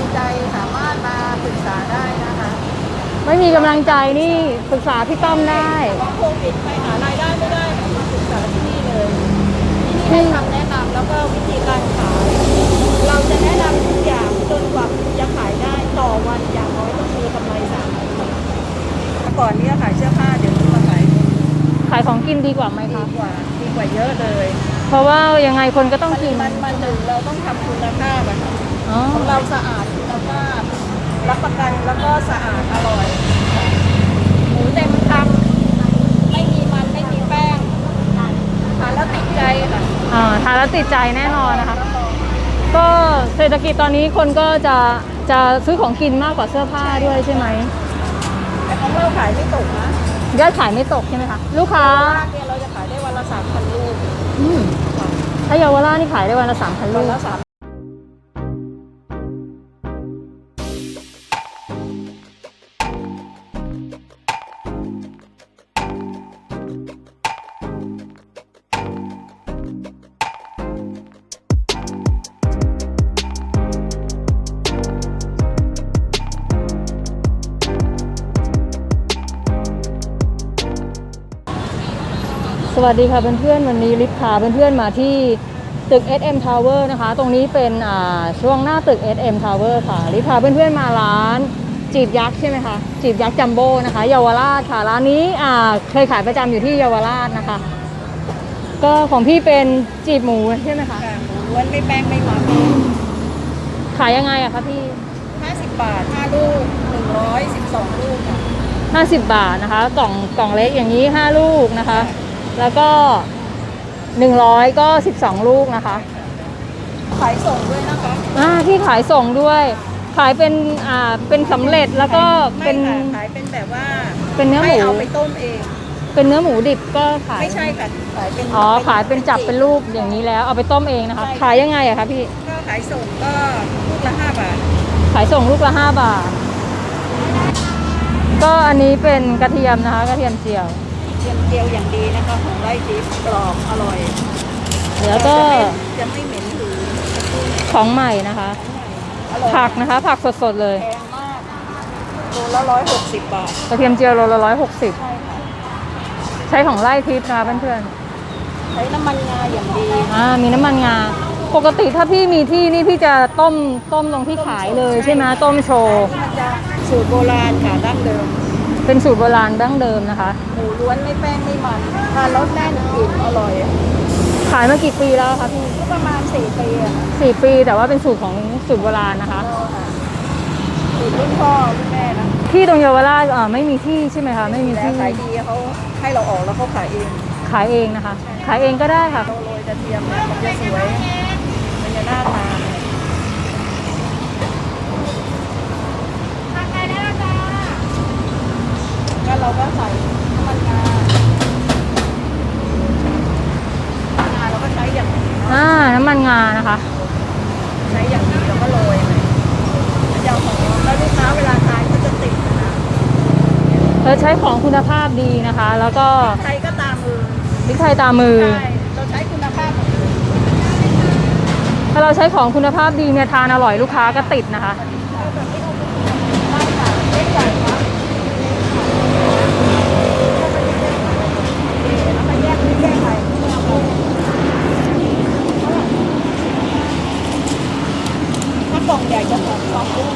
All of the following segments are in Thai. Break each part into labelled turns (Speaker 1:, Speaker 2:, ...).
Speaker 1: ใจสามารถมาปรึกษาได้นะคะ
Speaker 2: ไม่มีกำลังใจนี่ปรึกษาพี่ต้อมได้
Speaker 1: ว่าโควิดไปหารายได้ไม่ได้มาปรึกษาที่นี่เลยที่นี่ให้คำแนะนำแล้วก็วิธีการขายเราจะแนะนำทุกอย่างจนกว่าคุณจะขายได้ต่อวันอย่างน้อยต้องมีกำไร3,000 บาทก่อนนี้ขายเสื้อผ้าเดี๋ยวนี้มา
Speaker 2: ขายของกินดีกว่าไหมคะ
Speaker 1: ดีกว่าเยอะเลย
Speaker 2: เพราะว่ายังไงคนก็ต้องกิน
Speaker 1: มันหนึ่งเราต้องทำคุณภาพอะค่ะของเราสะอาดคุณภาพรับประกันแล้วก็สะอาดอร่อยหมูเต็มคำไม่มีมันไม่มีแป้งทานแล้วติดใจค่ะ
Speaker 2: ทานแล้วติดใจแน่นอนนะคะก็เศรษฐกิจตอนนี้คนก็จะซื้อของกินมากกว่าเสื้อผ้าด้วยใช่ไหม
Speaker 1: แต่ของเราขายไม่ตกนะ
Speaker 2: ยอดขายไม่ตกใช่ไหมคะลูกค้า
Speaker 1: เนี่ยเราจะขายได้วันละ3,000 ลูก
Speaker 2: ถ้าเยาวราชนี่ขายได้วันละ3,000 ลูกสวัสดีค่ะเพื่อนๆวันนี้ลิฟพาเพื่อนๆมาที่ตึก SM Tower นะคะตรงนี้เป็นช่วงหน้าตึก SM Tower ค่ะลิฟพาเพื่อนๆมาร้านจีบยักษ์ใช่ไหมคะจีบยักษ์จัมโบ้นะคะเยาวราชค่ะร้านนี้เคยขายประจำอยู่ที่เยาวราชนะคะก็ของพี่เป็นจีบหมูใช่ไหมคะ
Speaker 1: หมูล้วนไม่แป้งไม่มัน
Speaker 2: ขายยังไงอะคะพี่
Speaker 1: 50 บาท5 ลูก112 ลูกค่ะ
Speaker 2: 50 บาทนะคะกล่องเล็กอย่างนี้5 ลูกนะคะแล้วก็100ก็12 ลูกนะคะ
Speaker 1: ขายส่งด้วยนะคะ
Speaker 2: ที่ขายส่งด้วยขายเป็นสำเร็จแล้วก็เป็น
Speaker 1: ขายเป็นแบบว่า
Speaker 2: เป็นเนื้อหมู
Speaker 1: เอาไปต้มเอง
Speaker 2: เป็นเนื้อหมูดิบก็ขาย
Speaker 1: ไม่ใช่ค่ะขายเป็น
Speaker 2: ขายเป็นจับเป็นลูกอย่างนี้แล้วเอาไปต้มเองนะคะขายยังไงอะคะพี่
Speaker 1: ก็ขายส่งก็ลูกละ5 บาท
Speaker 2: ขายส่งลูกละ5 บาทก็อันนี้เป็นกระเทียมนะคะกระเทียมเจียว
Speaker 1: อย่างดีนะคะของไร่ทิพย์กรอบอร่อย
Speaker 2: แล้วก็
Speaker 1: จะไม่เหม็นหืน
Speaker 2: ของใหม่นะคะผักนะคะผักสดๆเลย
Speaker 1: แพงมากโลละ160 บาท
Speaker 2: กระเทียมเจียวโลละ160
Speaker 1: ใช่ค่ะ
Speaker 2: ใช้ของไร่ทิพย์นะคะเพื่อน
Speaker 1: ๆใช้น้ำมันงาอย่างดี
Speaker 2: มีน้ำมันงาปกติถ้าพี่มีที่นี่พี่จะต้มตรงที่ขายเลยใช่ไหมต้มโชว์
Speaker 1: สูตรโบราณค่ะดั้งเดิม
Speaker 2: เป็นสูตรโบราณดั้งเดิมนะคะ
Speaker 1: หมูล้วนไม่แป้งไม่มันทานแล้วแน่นอิ่มอร่อย
Speaker 2: ขายมากี่ปีแล้วคะพี่
Speaker 1: ก็ประมาณ4 ปีอะ
Speaker 2: 4 ปีแต่ว่าเป็นสูตรของสูตรโบราณนะคะ
Speaker 1: สูตรรุ่นพ่อรุ่นแม่นะ
Speaker 2: ที่ตรงเยาวราชไม่มีที่ใช่ไหมคะไม่มีที่
Speaker 1: ขายดีเขาให้เราออกแล้วเขาขายเ
Speaker 2: องนะคะขายเองก็ได้ค่ะ
Speaker 1: โรยกระเทียมเนี่ยมันจะสวยมันจะน่าทานก็เราก็ใส่น้ำมันงาเราก็ใช้อย่างนี้
Speaker 2: น้ำมันงานะคะ
Speaker 1: ใช้อย่างนี้เราก็โรยเลยมันจะหอมแล้วลูกค้าเวลาทานก็จะติดนะ
Speaker 2: ใช้ของคุณภาพดีนะคะแล้วก็
Speaker 1: ไทยก็ตามมือ
Speaker 2: พริกไทยตามมือ
Speaker 1: เราใช้คุณภาพ
Speaker 2: ถ้าเราใช้ของคุณภาพดีเนี่ยทานอร่อยลูกค้าก็ติดนะคะ
Speaker 1: ถ้ากล่องใหญ่จะ2 ลูก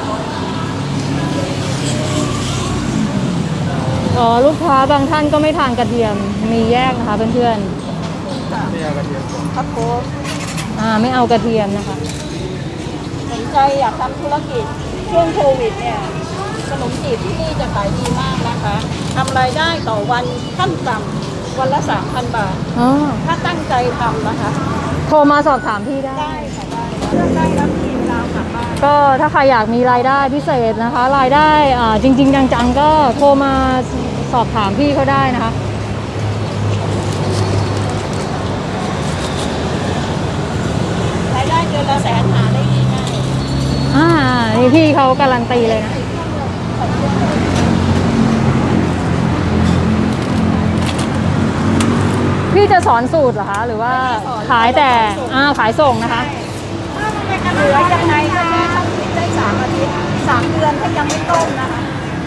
Speaker 2: ลูกค้าบางท่านก็ไม่ทานกระเทียมมีแยกนะคะเพื่อน
Speaker 1: ๆไม่เอากระเทียมครับโค้ช
Speaker 2: ไม่เอากระเทียมนะคะ
Speaker 1: สนใจอยากทำธุรกิจช่วงโควิดเนี่ยขนมจีบที่นี่จะขายดีมากนะคะทำรายได้ต่อวันขั้นต่ำวันละ3,000 บาทถ้าตั้งใจทำนะคะ
Speaker 2: โทรมาสอบถามพี่ได้
Speaker 1: ค่ะเลือกได้รับทีเวลากลับบ้าน
Speaker 2: ก็ถ้าใครอยากมีรายได้พิเศษนะคะรายได้จริงๆจังๆก็โทรมาสอบถามพี่เขาได้นะคะ
Speaker 1: รายได้เดือนละ100,000หาได้ง่าย
Speaker 2: นี่พี่เขาการันตีเลยนะพี่จะสอนสูตรเหรอคะหรือว่าขายแต่ขายส่งนะคะ
Speaker 1: เหลือยังไงก็แค่ต้องคิดได้ยังไม่ต้มนะคะ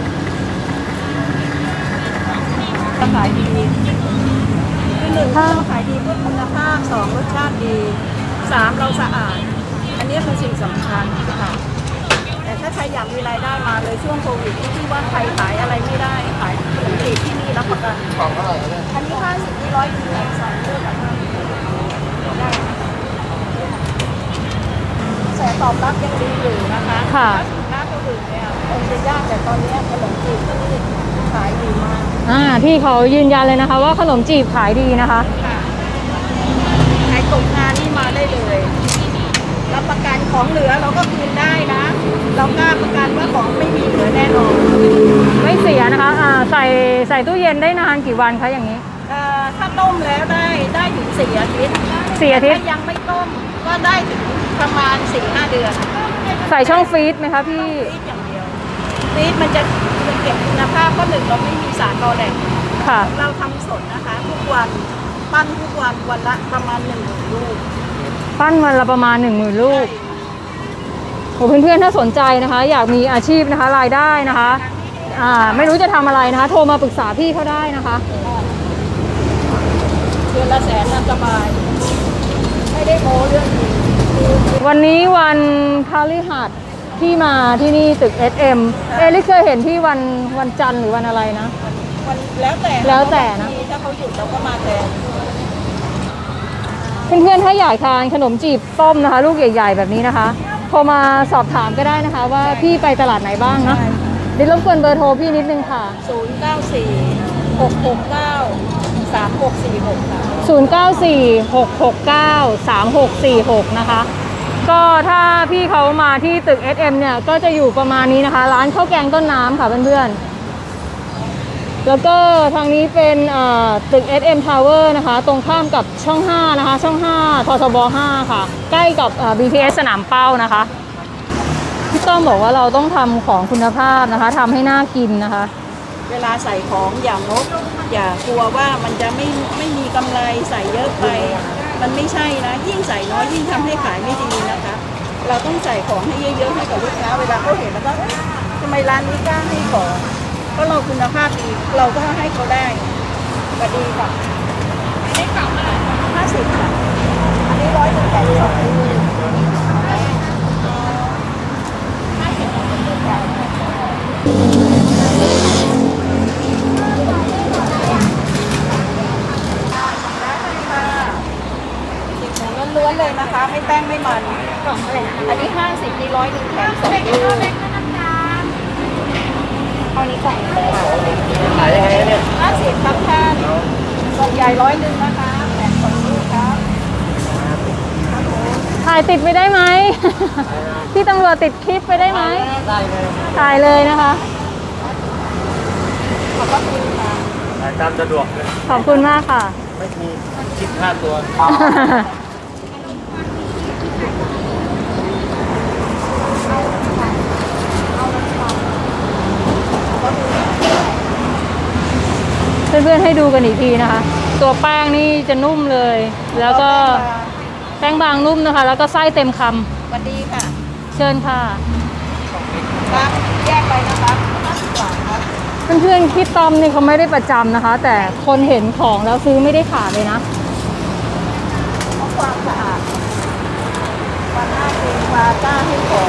Speaker 1: ขายดีคือหนึ่งเราขายดีเพื่อคุณภาพสองรสชาติดีสามเราสะอาดอันนี้เป็นสิ่งสำคัญค่ะแต่ถ้าใครอยากมีรายได้มาเลยช่วงโควิดที่ว่าใครขายอะไรไม่ได้ขายขนมจีบที่นี่รับประกัน
Speaker 3: ของเท่าไหร่เนี่ย
Speaker 1: อันนี้50ที่100กิโลสองเลือกแบบได้แสตอบรับยังดีอยู่นะคะ
Speaker 2: ค่ะ
Speaker 1: ถ้าสินค้าตัวอื่นเนี่ยคงจะยากแต่ตอนนี้ขนมจีบที่นี่ขายดีมาก
Speaker 2: พี่เขายืนยันเลยนะคะ ว่าขนมจีบขายดีนะคะ
Speaker 1: ค่ะใครตกงานนี่มาได้เลยรับประกันของเหลือเราก็คืนได้นะ เรากล้าประกันว่าของไม่มีเหลือแน่นอน
Speaker 2: ไม่เสียนะคะใส่ตู้เย็นได้นานกี่วันคะอย่างนี้
Speaker 1: ถ้าต้มแล้วได้ถึง4 อาทิตย์
Speaker 2: 4 อาทิตย์
Speaker 1: ถ้ายังไม่ต้มก็ได้ถึงประมาณ 4-5 เดือน
Speaker 2: ใส่ช่องฟรีซไหมคะพี่
Speaker 1: ฟรีซอย่างเดียวฟรีซมันจะเก็บคุณภาพก็หนึ่งเราไม่มีสารกอแดก
Speaker 2: ค่ะ
Speaker 1: เราทำสดนะคะ ทุกวันปั้นทุกวันวันละประมาณ1 ลูก
Speaker 2: ปั้นวันละประมาณ 10,000 ลูกโอ้เพื่อนๆถ้าสนใจนะคะ อยากมีอาชีพนะคะรายได้นะคะ ไม่รู้จะทำอะไรนะคะ โทรมาปรึกษาพี่เขาได้นะคะ
Speaker 1: เดือนละ100,000น่ะสบาย ไม่ได้โม้เรื่องนี้
Speaker 2: วันนี้วันพฤหัสที่มาที่นี่ตึก SM ลิเคยเห็นที่วันจันทร์หรือวันอะไรนะ
Speaker 1: วันแล้วแต่
Speaker 2: แล้วแต่นะ
Speaker 1: ถ้าเขาหยุดเราก็มาแทน
Speaker 2: เพื่อนๆถ้าอยากทานขนมจีบต้มนะคะ ลูกใหญ่ๆแบบนี้นะคะโทรมาสอบถามก็ได้นะคะ ว่าพี่ไปตลาดไหนบ้างนะเดี๋ยวรบกวนเบอร์โทรพี่นิดนึงค่ะ
Speaker 1: 094-669-3646 ค่ะ
Speaker 2: 0946693646 นะคะ ก็ถ้าพี่เขามาที่ตึก SM เนี่ยก็จะอยู่ประมาณนี้นะคะ ร้านข้าวแกงต้นน้ำค่ะเพื่อนๆแล้วก็ทางนี้เป็นตึก SM Tower นะคะ ตรงข้ามกับช่อง 5 นะคะ ช่อง 5 ททบ 5 ค่ะ ใกล้กับBTS สนามเป้านะคะพี่ต้อมบอกว่าเราต้องทำของคุณภาพนะคะทำให้น่ากินนะคะ
Speaker 1: เวลาใส่ของอย่างนกอย่ากลัวว่ามันจะไม่มีกำไรใส่เยอะไป มันไม่ใช่นะ ยิ่งใส่น้อยยิ่งทำให้ขายไม่ดีนะคะ เราต้องใส่ของให้เยอะๆให้กับลูกค้าเวลาเขาเห็นแล้วก็เอ๊ะทำไมร้านนี้กล้าให้ของก็เราคุณภาพดีเราก็ให้เขาได้ก็ดีค่ะอันนี้กล่องเท่าไหร่50 ค่ะอันนี้182 ล้วนๆเลยนะคะไม่แป้งไม่มันกล่องอะไรอันนี้50นี่100แถม2 ลูกเอานี้กล่อง
Speaker 3: ขายยังไงเนี่ย
Speaker 1: 50ครับท่านกล่องใหญ่100นะคะแถม2 ลูกครับ
Speaker 2: ถ่ายติดไปได้ไหม พี่ตำรวจติดคลิปไปได้ไหม
Speaker 3: ได้เลย
Speaker 2: ถ่ายเลยนะคะ
Speaker 1: ขอบคุณค่ะ
Speaker 3: ขายตามสะดวกเลย
Speaker 2: ขอบคุณมากค่ะ
Speaker 3: ไม่มีคิดค่าตัว
Speaker 2: เพื่อนๆให้ดูกันอีกทีนะคะ ตัวแป้งนี่จะนุ่มเลย แล้วก็แป้งบางนุ่มนะคะ แล้วก็ไส้เต็มค
Speaker 1: สวัสดีค่ะ
Speaker 2: ำเชิญค่ะ
Speaker 1: ครับแยกไปนะคะ50 บาทครับ
Speaker 2: เพื่อนๆพี่ต้อมนี่เขาไม่ได้ประจำนะคะ แต่คนเห็นของแล้วซื้อไม่ได้ขาดเลยนะ
Speaker 1: เพราะความสะอาดความน่ากินความกล้าให้ของ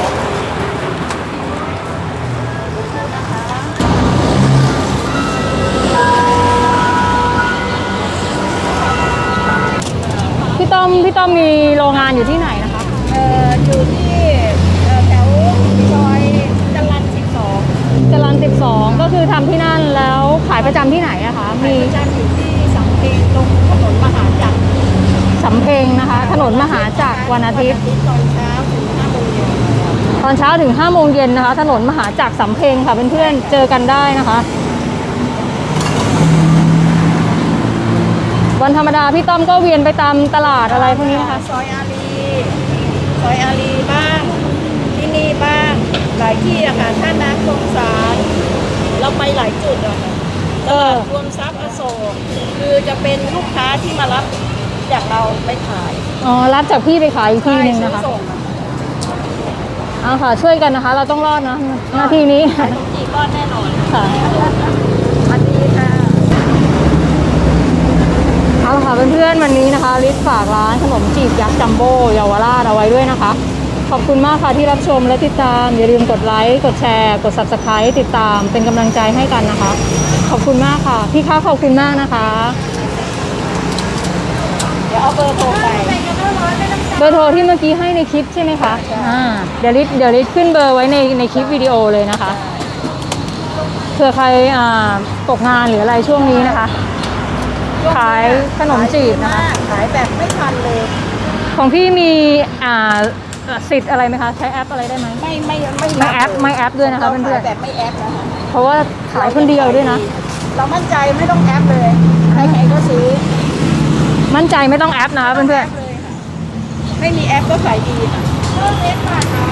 Speaker 2: พี่ต้อมมีโรงงานอยู่ที่ไหนนะคะ
Speaker 1: อยู่ที่แถวซอยจรัญ12
Speaker 2: จรัญ12 ก็คือทำที่นั่นแล้วขายประจำที่ไหนอะคะ
Speaker 1: มี
Speaker 2: มี
Speaker 1: ประจำอยู่ที่สำเพ็งตรงถนนมหาจักร
Speaker 2: สำเพ็งนะคะ ถนนมหาจักรวันอาทิตย์
Speaker 1: ตอนเช้าถึง5 โมงเย็น
Speaker 2: ตอนเช้าถึง5 โมงเย็นนะคะ ถนนมหาจักรสำเพ็งค่ะเพื่อนๆเจอกันได้นะคะ วันธรรมดาพี่ต้อมก็เวียนไปตามตลาดอะไรพวกนี้นะคะ
Speaker 1: ซอยอารีบ้าง ที่นี่บ้าง หลายที่อะค่ะท่าน้ำคลองสารเราไปหลายจุดอะค่ะตลาดรวมทรัพย์อโศกคือจะเป็นลูกค้าที่มารับจากเราไปขาย
Speaker 2: อ๋อรับจากพี่ไปขายอีกทีหนึ่งนะคะ
Speaker 1: ซื้อส่งอ
Speaker 2: เอาค่ะช่วยกันนะคะ เราต้องรอดนะหน้าที่นี้
Speaker 1: ขายขนมจีบรอดแน่นอน
Speaker 2: ค่ะ
Speaker 1: สวัสดีค่ะ
Speaker 2: เอาละค่ะเพื่อนๆวันนี้นะคะลิศฝากร้านขนมจีบยักษ์จัมโบ้เยาวราชเอาไว้ด้วยนะคะ ขอบคุณมากค่ะที่รับชมและติดตามอย่าลืมกดไลค์กดแชร์กด Subscribe ติดตามเป็นกำลังใจให้กันนะคะ ขอบคุณมากค่ะพี่คะขอบคุณมากนะคะ
Speaker 1: เดี๋ยวเอาเบอร์โทรไป
Speaker 2: เบอร์โทรที่เมื่อกี้ให้ในคลิปใช่ไหมคะเดี๋ยวลิศขึ้นเบอร์ไว้ในคลิปวิดีโอเลยนะคะเผื่อใครตกงานหรืออะไรช่วงนี้นะคะ ขายขนมจีบนะคะ
Speaker 1: ขายแบบไม่ทันเลย
Speaker 2: ของพี่มีสิทธิ์อะไรไหมคะใช้แอปอะไรได้ไหม
Speaker 1: ไม่
Speaker 2: ไม่แอปด้วยนะคะ
Speaker 1: รา
Speaker 2: เพื่อน
Speaker 1: ขายแบบไม่แอปนะคะ
Speaker 2: ๆเพราะว่าขายคนเดียวด้วยนะ
Speaker 1: เรามั่นใจไม่ต้องแอปเลยใครๆก็ซื้อ
Speaker 2: มั่นใจไม่ต้องแอปนะคะเพื่อน
Speaker 1: แอปเลยค่ะไม่มีแอปก็ขายดีค่ะเลิกเล็กค่ะ